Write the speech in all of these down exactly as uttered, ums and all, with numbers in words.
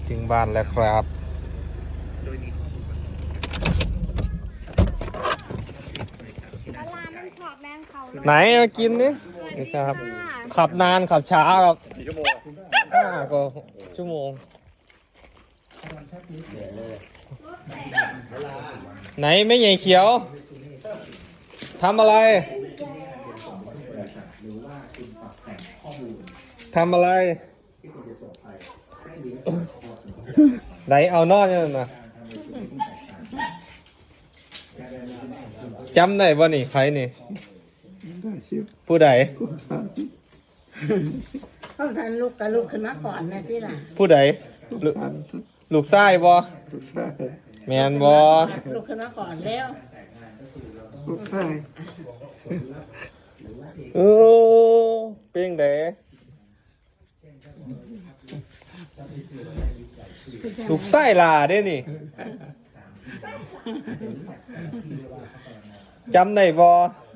ถึงบ้านแล้วครับไหนมากินนี่นี่ครับขับนานขับช้าครับกี่ชั่วโมงห้าก็ชั่วโมงไหนไม่ใหญ่เขียวทำอะไรทำอะไรไหนเอานอนยังนะจำได้ป่ะนี่ใครนี่ผู้ใดเขาทันลูกกับลูกขึ้นมาก่อนนะที่ล่ะผู้ใดลูกลูกชายบ่แมนบ่ลูกขึ้นมาก่อนแล้วลูกชายโอ้เป้งเด๋ลูกไส้ลาเด้นี่จำได้บ่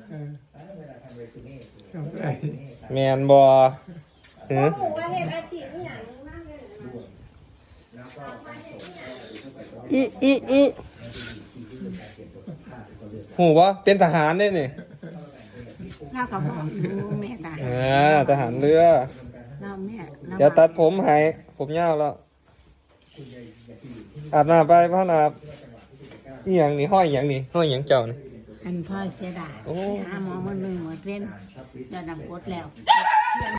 แมนบ่หือหนูว่าเห็นอาชีพนี่อย่างมากเลยอีอีอีหูบ่เป็นทหารเด้นี่เราก็บอกอยู่แม่ตายอ่าทหารเรือเราแม่เราเดี๋ยวตัดผมให้ผมยาวแล้วอาบน้ำไปพ่อนาบอีหยังนี่ห้อยอีหยังนี่ห้อยอีหยังเจ้านี่อันพ่อเสียดายโอ้หาหมอมันหนึ่งหมดเว้นเดี๋ยวนำกดแล้ว